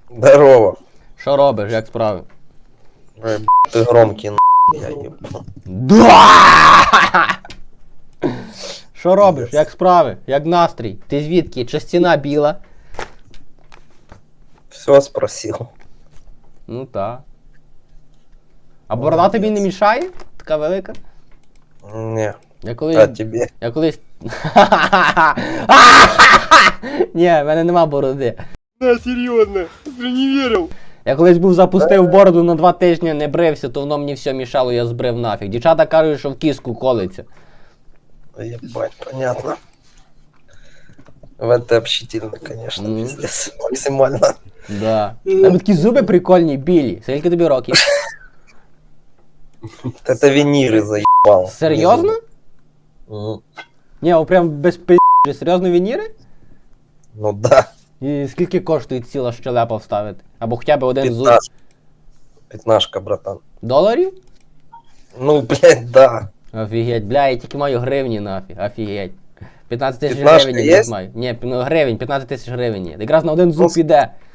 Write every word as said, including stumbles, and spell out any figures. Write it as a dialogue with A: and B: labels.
A: Здорово.
B: Що робиш, як справи?
A: Ой, б**, ты громкий, на***, я ебну.
B: Да! Що робиш, як справи, як настрій? Ти звідки? Чи стіна біла?
A: Все спросил.
B: Ну так. А борода тобі не мішає? Така велика?
A: Не,
B: Я колись...
A: а тебе?
B: Я колись... Ні, в мене нема бороди.
A: Да, серьезно, ты не верил.
B: Я колись був запустив бороду на два тижні, не брився, то воно мені все мішало, я збрив нафіг. Дівчата кажуть, що в кіску колиться.
A: Ебать, понятно. В это общительно, конечно,
B: Ну.
A: пиздец. Максимально.
B: Да. Там такі зуби прикольні, білі. Скільки тобі років?
A: Это виниры заебал.
B: Серйозно?
A: Мгм.
B: Ні, о, прям без пи***. Серйозно вініри?
A: Ну да.
B: І скільки коштує ціла щелепа вставити? Або хоча б один зуб?
A: Пятнашка. Пятнашка, братан.
B: Доларів?
A: Ну, блядь, да.
B: Офігеть, бля, я тільки маю гривні нафіг, офігеть. п'ятнадцять тисяч
A: П'ятнашка
B: гривень
A: є?
B: я маю. Ні, ну гривень, п'ятнадцять тисяч гривень є. Якраз на один зуб
A: Ну,
B: піде.